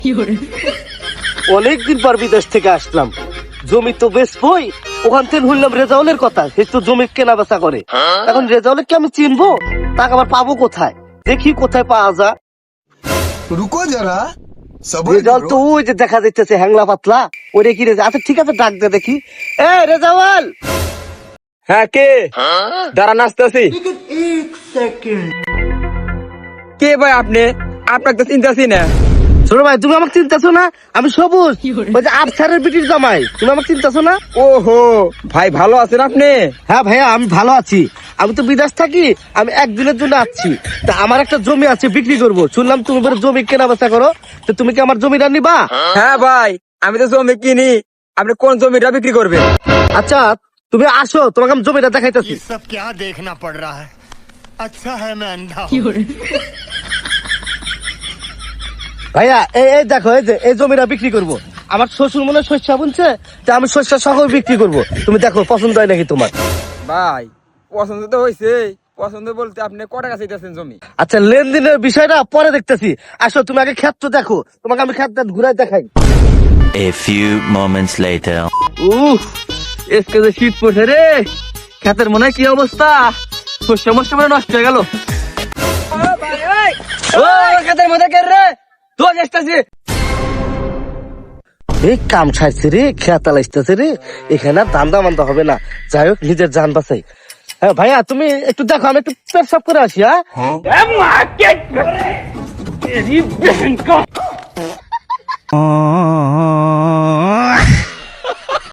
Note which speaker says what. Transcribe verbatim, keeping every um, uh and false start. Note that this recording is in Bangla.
Speaker 1: অনেকদিন পর বিদেশ থেকে আসলাম, জমি তো বেশ বই, ওখান থেকে শুনলাম রেজাউলের কথা, সে তো জমি কেনা বেচা করে। এখন রেজাউলের কি আমি চিনবো? তাকে আবার পাবো কোথায়? দেখি কোথায় পাওয়া যায়।
Speaker 2: रुको जरा सबर
Speaker 1: রেজাউল তো
Speaker 2: करो।
Speaker 1: ওই যে দেখা যাচ্ছে হ্যাংলা পাতলা, ওরে কি রেজাউল? আচ্ছা ঠিক আছে, ডাক দে দেখি। এ রেজাউল!
Speaker 3: হ্যাঁ কে? দাঁড়ান আসতেছি। কে ভাই আপনি? আপনাকে তো চিন্তাছি না।
Speaker 1: ছোট ভাই, তুমি আমাকে চিন্তাছো না? আমি সবুজ, ওই যে আফসারের বিটির জামাই। তুমি আমাকে চিন্তাছো না?
Speaker 3: ওহো ভাই, ভালো আছেন আপনি?
Speaker 1: হ্যাঁ ভাইয়া, আমি ভালো আছি। আমি তো বিদেশ থাকি, আমি একদিনের জন্য আসছি। তা আমার একটা জমি আছে, বিক্রি করব। শুনলাম তুমি বলে জমি কেনা বেচা করো, তো তুমি কি আমার জমিটা নিবা?
Speaker 3: হ্যাঁ ভাই, আমি তো জমি কিনি। আপনি কোন জমিটা বিক্রি করবেন?
Speaker 1: আচ্ছা তুমি আসো, তোমাকে আমি জমিটা দেখাইতেছি।
Speaker 4: ये सब क्या देखना पड़ रहा है। अच्छा है मैं अंधा हूँ।
Speaker 1: ভাইয়া এই এই দেখো, এই যে এই জমিটা বিক্রি করব। আমার শ্বশুর মনে হয় শস্য বুনছে, তা আমি শস্য সহ বিক্রি করব। তুমি দেখো পছন্দ হয় নাকি তোমার।
Speaker 3: ভাই পছন্দ তো হয়েছে। পছন্দ বলতে আপনি কটা কাছে চাইতেছেন জমি?
Speaker 1: আচ্ছা লেনদেনের বিষয়টা পরে দেখতেছি। আসো তুমি আগে ক্ষেত দেখো, তোমাকে আমি ক্ষেত ঘুরাই দেখাই।
Speaker 5: A few moments later.
Speaker 3: উফ, এসকে যে শীত পড়ছে রে, ক্ষেতের মনে হয় কি অবস্থা। শস্য মস্য মনে নষ্ট হয়ে গেল। ও ক্ষেতের মধ্যে কে রে? তো আসতেছি।
Speaker 1: এই কাম ছাড়ছে রে, খেয়াল আসতেছে রে, এখানে আর দান্দা মান্দা হবে না। যাই হোক, নিজের জান বাঁচাই। হ্যাঁ ভাইয়া তুমি একটু দেখো, আমি একটু পেশাব করে আসি। হ্যাঁ